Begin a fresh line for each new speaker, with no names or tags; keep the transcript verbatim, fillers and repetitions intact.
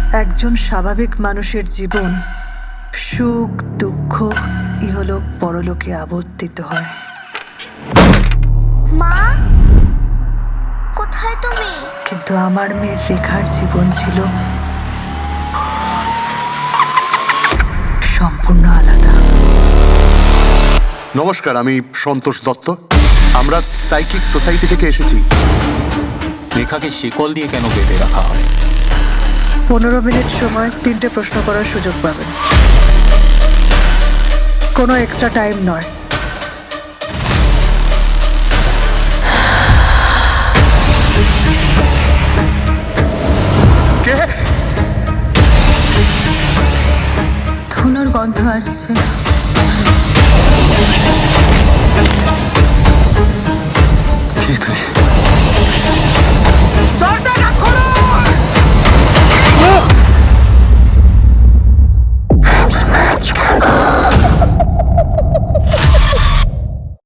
একজন স্বাভাবিক মানুষের জীবন সুখ দুঃখ ইহলোক পরলোকে আবর্তিত হয়।
মা, কোথায় তুমি?
কিন্তু আমার মেয়ের রেখার জীবন ছিল সম্পূর্ণ আলাদা।
নমস্কার, আমি সন্তোষ দত্ত। আমরা সাইকিক সোসাইটি থেকে এসেছি।
রেখাকে শিকল দিয়ে কেন বেঁধে রাখা হয়?
পনেরো মিনিট সময় তিনটে প্রশ্ন করার সুযোগ পাবেন। কোনো এক্সট্রা টাইম নয়।
কে?
ধুনোর গন্ধ আসছে।